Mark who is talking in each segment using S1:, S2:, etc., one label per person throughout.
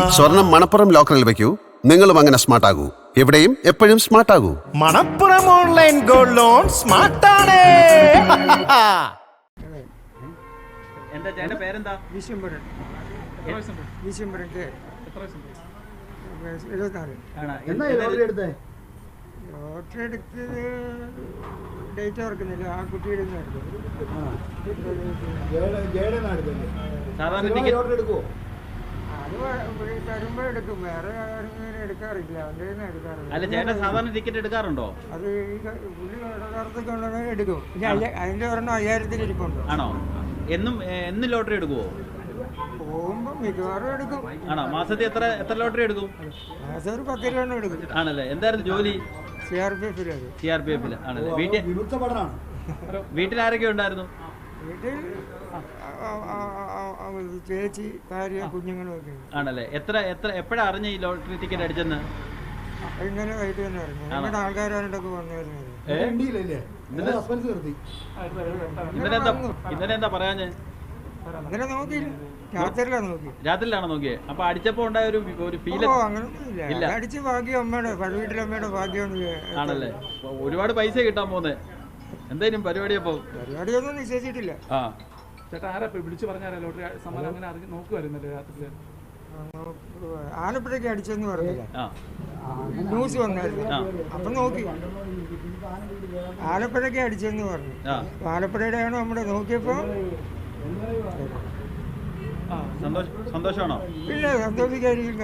S1: സ്വർണം മണപ്പുറം ലോക്കറിൽ വെക്കൂ, നിങ്ങളും അങ്ങനെ സ്മാർട്ട് ആകൂ. എവിടെയും എപ്പോഴും സ്മാർട്ട് ആകൂ.
S2: മണപ്പുറം ഓൺലൈൻ ഗോൾഡ് ലോൺ സ്മാർട്ടാണ്.
S3: എന്താ ചേട്ടന്റെ പേരെന്താ?
S4: വിശ്വംബരൻ. ലോട്ടറി എടുത്തത് ഡേറ്റ് ഓർക്കുന്നില്ല. ആ കുട്ടിയുടെ
S3: സാധാരണ ടിക്കറ്റ്
S4: അത് തരുമ്പോ എടുക്കും. വേറെ എടുക്കാറില്ല. അവൻ്റെ എടുക്കാറില്ല.
S3: അല്ല ചേട്ടൻ സാധാരണ ടിക്കറ്റ് എടുക്കാറുണ്ടോ?
S4: അത് ഈ പുള്ളി യഥാർത്ഥത്തിൽ കൊണ്ടുവന്നാൽ എടുക്കും. അതിന്റെ ഒരെണ്ണം 1000 ഇരിപ്പുണ്ട്.
S3: ആണോ? എന്നും ലോട്ടറി എടുക്കുവോ?
S4: പോകുമ്പോ മിക്കവാറും എടുക്കും.
S3: ആണോ? മാസത്തിൽ എത്ര ലോട്ടറി എടുക്കും?
S4: മാസം ഒരു 10 രൂപ എടുക്കും.
S3: ആണല്ലേ? എന്തായിരുന്നു ജോലി?
S4: CRPF
S3: ആണല്ലേ? വീട്ടിൽ ആരൊക്കെ ഉണ്ടായിരുന്നു?
S4: വീട്ടിൽ ചേച്ചി, ഭാര്യ, കുഞ്ഞുങ്ങളും ഒക്കെ.
S3: ആണല്ലേ? എപ്പോഴാ അറിഞ്ഞ ഈ ലോട്ടറി ടിക്കറ്റ് അടിച്ചെന്ന്?
S4: ഇന്നലെ വൈകിട്ട് തന്നെ അറിഞ്ഞു. ഞങ്ങളുടെ ആൾക്കാരായിട്ടൊക്കെ വന്നായിരുന്നു.
S3: ഇന്നലെ എന്താ പറയാഞ്ഞേ?
S4: ഇന്നലെ നോക്കി,
S3: രാത്രിയിലാണോ നോക്കിയേ? അപ്പൊ അടിച്ചപ്പോ ഉണ്ടായ ഒരു ഫീൽ
S4: അങ്ങനൊന്നുമില്ല. അടിച്ച് ഭാഗ്യം അമ്മയുടെ വീട്ടിലമ്മയുടെ ഭാഗ്യം.
S3: ആണല്ലേ? ഒരുപാട് പൈസ കിട്ടാൻ പോന്നെ. എന്തായാലും
S4: പരിപാടിയൊന്നും നിശ്ചയിച്ചിട്ടില്ല.
S5: ചേട്ടാ ആരാ വിളിച്ചു പറഞ്ഞാലോ ലോട്ടറി സമ്മാനം അങ്ങനെ നോക്കുമായിരുന്നല്ലേ രാത്രി?
S4: ആലപ്പുഴയ്ക്ക് അടിച്ചെന്ന് പറഞ്ഞില്ല, ന്യൂസ് വന്നായിരുന്നു. അപ്പൊ നോക്കി ആലപ്പുഴയ്ക്ക് അടിച്ചെന്ന് പറഞ്ഞു. ആലപ്പുഴയുടെ ആണോ നമ്മുടെ നോക്കിയപ്പോ
S3: സന്തോഷമാണോ?
S4: പിന്നെ സന്തോഷിക്കായിരിക്കും.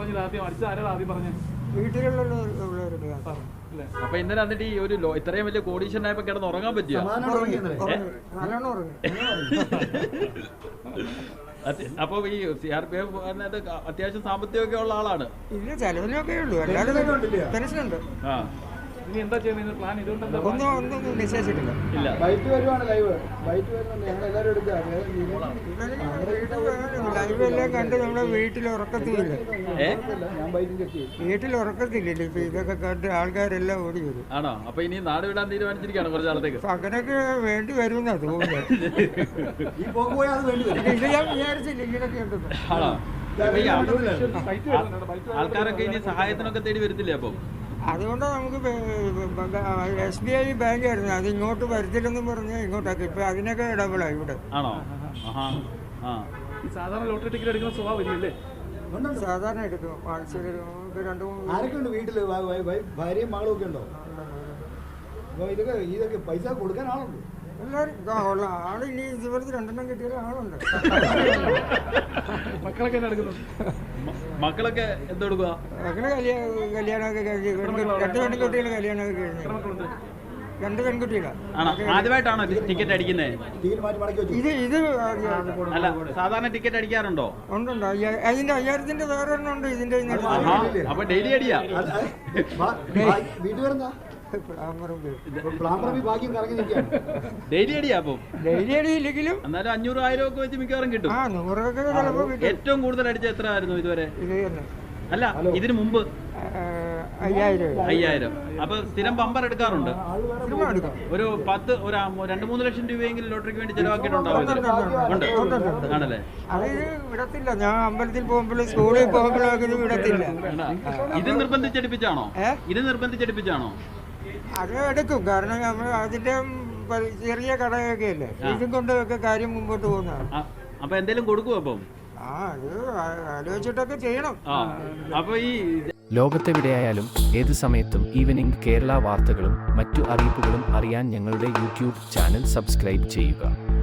S4: വീട്ടിലുള്ളവരുടെ.
S3: അപ്പൊ ഇന്നലെ എന്നിട്ട് ഈ ഒരു ഇത്രയും വലിയ കോടീശ്വരനായപ്പോ കിടന്ന് ഉറങ്ങാൻ പറ്റിയോ? അപ്പൊ ഈ CRPF അത്യാവശ്യം സാമ്പത്തികമൊക്കെ ഉള്ള ആളാണ്.
S4: ഇല്ല, ചെലവിലൊക്കെ ഉള്ളൂ. അല്ലാതെ പെൻഷനുണ്ട്.
S5: ഇനി എന്താ ചെയ്യുന്നത് പ്ലാൻ?
S4: ഒന്നും നിശ്ചയിച്ചിട്ടില്ല.
S3: ഇല്ല,
S4: ലൈവ് എല്ലാം കണ്ട് നമ്മുടെ വീട്ടിൽ ഉറക്കത്തില്ല. ഇപ്പൊ ഇതൊക്കെ കണ്ട് ആൾക്കാരെല്ലാം ഓടി വരും.
S3: ആണോ? അപ്പൊ ഇനി നാട് വിടാൻ തീരുമാനിച്ചിരിക്കുകയാണ് കുറച്ച് നാളത്തേക്ക്.
S4: അങ്ങനെയൊക്കെ വേണ്ടി വരുമെന്നാ തോന്നുന്നത്. ഇത് ഞാൻ വിചാരിച്ചില്ല ഇങ്ങനെയൊക്കെ ഉണ്ടെന്ന്.
S3: ആണോ? ആൾക്കാരൊക്കെ ഇനി സഹായത്തിനൊക്കെ തേടി വരത്തില്ലേ? അപ്പൊ
S4: അതുകൊണ്ട് നമുക്ക് SBI ബാങ്കായിരുന്നു, അത് ഇങ്ങോട്ട് വരത്തില്ലെന്നും പറഞ്ഞ് ഇങ്ങോട്ടാക്കി. ഇപ്പൊ അതിനൊക്കെ ഡബിളായി ഇവിടെ.
S3: ആണോ?
S5: സാധാരണ ലോട്ടറി ടിക്കറ്റ് എടുക്കുന്ന സ്വഭാവം ഇല്ലേ?
S4: സാധാരണ എടുക്കും. ആഴ്ചയിൽ 2-3
S6: വീട്ടില് ഭാര്യയും മകളും ഒക്കെ ഉണ്ടോ? ഇതൊക്കെ പൈസ കൊടുക്കാൻ ആളുണ്ട്.
S4: എല്ലാവരും ആള് ഇനി ഇതുപോലത്തെ 2 കിട്ടിയാൽ ആളുണ്ട്.
S3: മക്കളൊക്കെ എന്തെടുക്കുക?
S4: മക്കള് കല്യാണമൊക്കെ കഴിഞ്ഞ് 2 പെൺകുട്ടികൾ കല്യാണമൊക്കെ കഴിഞ്ഞു. 2 പെൺകുട്ടികളാണ്.
S3: ആദ്യമായിട്ടാണോ ടിക്കറ്റ് അടിക്കുന്നത്?
S4: ഇത്
S3: അല്ല, സാധാരണ ടിക്കറ്റ് അടിക്കാറുണ്ടോ?
S4: ഉണ്ട്. അതിന്റെ 1000 വേറെ ഒന്നും ഉണ്ട്. ഇതിന്റെ
S3: അപ്പൊ ഡെയിലി അടിയാ? ഡെയിലി അടിയാ? അപ്പൊ
S4: ഡെയിലി അടിയില്ലെങ്കിലും
S3: എന്നാലും 500-1000 ഒക്കെ വെച്ച് മിക്കവാറും കിട്ടും.
S4: 100
S3: ഏറ്റവും കൂടുതൽ അടിച്ച എത്ര ആയിരുന്നു ഇതുവരെ? അല്ല, ഇതിനു മുമ്പ്
S4: 5000.
S3: അപ്പൊ സ്ഥിരം ബമ്പർ എടുക്കാറുണ്ട്? ഒരു 2-3 ലക്ഷം രൂപയെങ്കിലും ലോട്ടറിക്ക് വേണ്ടി ചെലവാക്കിയിട്ടുണ്ടാവും. ആണല്ലേ?
S4: അത് വിടത്തില്ല. ഞാൻ അമ്പലത്തിൽ പോകുമ്പോഴും സ്കൂളിൽ പോകുമ്പോഴൊക്കെ ഇത് വിടത്തില്ല.
S3: ഇത് നിർബന്ധിച്ചെടുപ്പിച്ചാണോ?
S4: അത് എടുക്കും. കാരണം നമ്മൾ അതിന്റെ ചെറിയ കടയൊക്കെ അല്ലേ, ഇതും കൊണ്ടൊക്കെ കാര്യം മുമ്പോട്ട് പോകുന്നതാണ്.
S3: അപ്പൊ എന്തെങ്കിലും കൊടുക്കും? അപ്പം
S4: അത് ആലോചിച്ചിട്ടൊക്കെ ചെയ്യണം.
S3: അപ്പൊ ഈ
S7: ലോകത്തെവിടെയായാലും ഏത് സമയത്തും ഈവനിംഗ് കേരള വാർത്തകളും മറ്റു അറിയിപ്പുകളും അറിയാൻ ഞങ്ങളുടെ യൂട്യൂബ് ചാനൽ സബ്സ്ക്രൈബ് ചെയ്യുക.